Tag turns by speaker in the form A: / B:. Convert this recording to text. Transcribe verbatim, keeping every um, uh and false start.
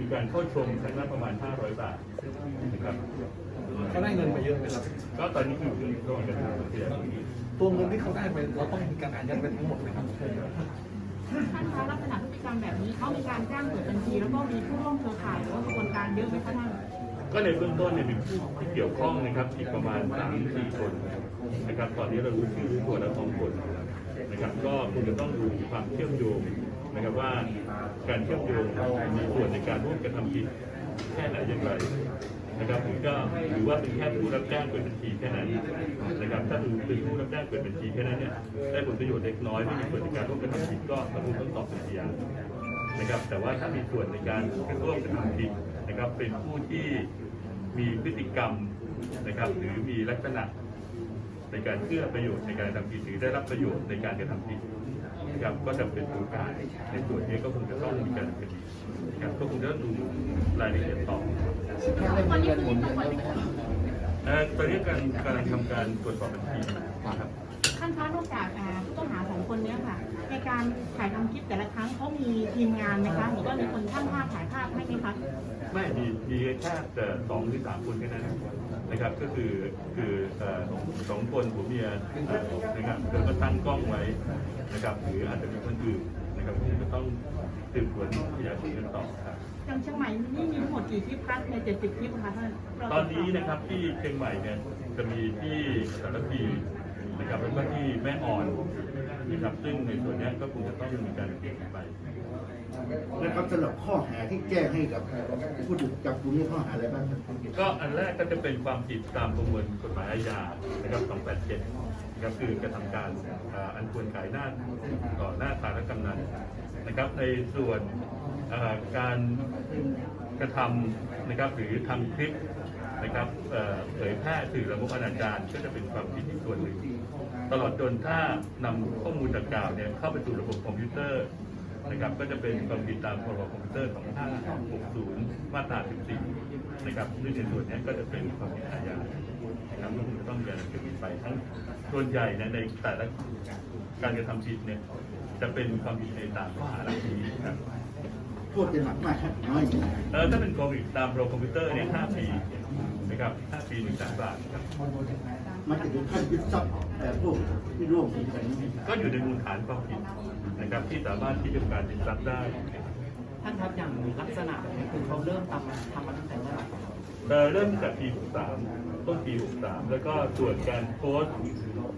A: การเข้าชมครั้งละประมาณห้าร้อยบาทนะครับ
B: เขาได้เงินไปเยอะไหมครับ
A: ก็ตอนนี้อยู่ในระหว่างการทำเสีย
B: ตัวเงินที่เขาได้ไปเราต้องมีการอายัดเป็นทั้งหมดไหมครับ
C: ท่านคะลักษณะพฤติกรรมแบบนี้เขามีการจ้างเปิดบัญชีแล้วก็มีผู้ร่วมเครือข่ายหรือว่ากระบวนการเยอะไหมคะท่าน
A: ก็ในเบื้องต้นเนี่ยมีผู้ที่เกี่ยวข้องนะครับอีกประมาณสามสี่คนนะครับตอนนี้เรารู้ชื่อตัวละสองคนนะครับก็คงจะต้องดูความเชื่อมโยงนะครับว่าการเชื่อมโยงมีส่วนในการร่วมกระทำผิดแค่ไหนอย่างไรนะครับผมก็หรือว่าเป็นแค่ผู้รับจ้างเปิดบัญชีแค่นั้นนะครับถ้าดูเป็นผู้รับจ้างเปิดบัญชีแค่นั้นเนี่ยได้ผลประโยชน์เล็กน้อยไม่มีส่วนในการร่วมกระทำผิดก็ตำรวจต้องสอบเป็นพยานนะครับแต่ว่าถ้ามีส่วนในการร่วมกระทำผิดนะครับเป็นผู้ที่มีพฤติกรรมนะครับหรือมีลักษณะในการเอื้อประโยชน์ในการกระทำผิดหรือได้รับประโยชน์ในการกระทำผิดนะครับก็จะเป็นตัวการในส่วนนี้ก็คงจะต้องมีการดำเนินคดีนะครับก็คงจะต้องดูรายละเอียดต่อ
C: ตอนนี้คือยังไม่ได้
A: ตอนนี้การกำลังทำการตรวจสอบบัญชีครับ
C: ท่านคะนอกจากผู้ต้องหาสองคนนี้ค่ะในการถ่ายทำคลิปแต่ละครั้งเขามีทีมงานไหมคะหรือว่ามีคนช่างภาพถ่ายภาพให้ไหมคะ
A: ไม่มีมีแค่แต่สองหรือสามคนแค่นั้นนะครับก็คือคือสองคนผัวเมียนะครับแล้วก็ตั้งกล้องไว้นะครับหรืออาจจะมีคนอื่นนะครับที่จะต้องสืบสวนขยายผลกันต่อครับ
C: อย่างเชียงใหม่นี่มีทั้งหมดกี่คลิปคะในเจ็ดสิบคลิปคะท่าน
A: ตอนนี้นะครับที่เชียงใหม่เนี่ยจะมีที่สารพีนะครับแล้วก็ที่แม่อ่อนนะครับซึ่งในส่วนนี้ก็คงจะต้องมีการเปลี่ยนไป
D: นะครับสำหรับข้อหาที่แจ้งให้กับผู้ถูกจับกุมนี้ข้อหาอะไรบ้าง
A: ก็อันแรกก็จะเป็นความผิดตามประมวลกฎหมายอาญานะครับสองแปดเจ็ดนะครับคือกระทำการอันควรขายหน้าต่อหน้าทางกำนันนะครับในส่วนการกระทำนะครับหรือทำคลิปนะครับเผยแพร่สื่อละมกอนาจารก็จะเป็นความผิดอีกส่วนหนึ่งตลอดจนถ้านำข้อมูลดังกล่าวเนี่ยเข้าไปสู่ระบบคอมพิวเตอร์นะครับก็จะเป็นความผิดตามพรบคอมพิวเตอร์สองพันห้าร้อยหกสิบมาตราสิบสี่นะครับซึ่งในส่วนนี้ก็จะเป็นความผิดอาญานะครับก็คงจะต้องมีการดำเนินคดีไปทั้งส่วนใหญ่ในแต่ละการกระทำผิดเนี่ยจะเป็นความผิดในตามข้อหาเหล่านี้ครับ
D: โทษจะหนักมากน้อย
A: เออถ้าเป็นความผิดตามพรบคอมพิวเตอร์เนี่ยห้าปีนะครับห้าปีหนึ่งแสนบาทครับ
D: มันจะถึงขั้นยึดทรัพย์แต่พวกที่ร่วมกัน
A: ก็อยู่ในมูลฐานความผิดนะครับที่สามารถที่จะการยึดทรัพย์ได้
E: ท่านครับอย่างลักษณะนี้คือเขาเริ่มทำทำมาตั้งแต่เมื่อไหร่
A: เริ่มจากปีหกสามต้นปีหกสามแล้วก็ส่วนการโพสต์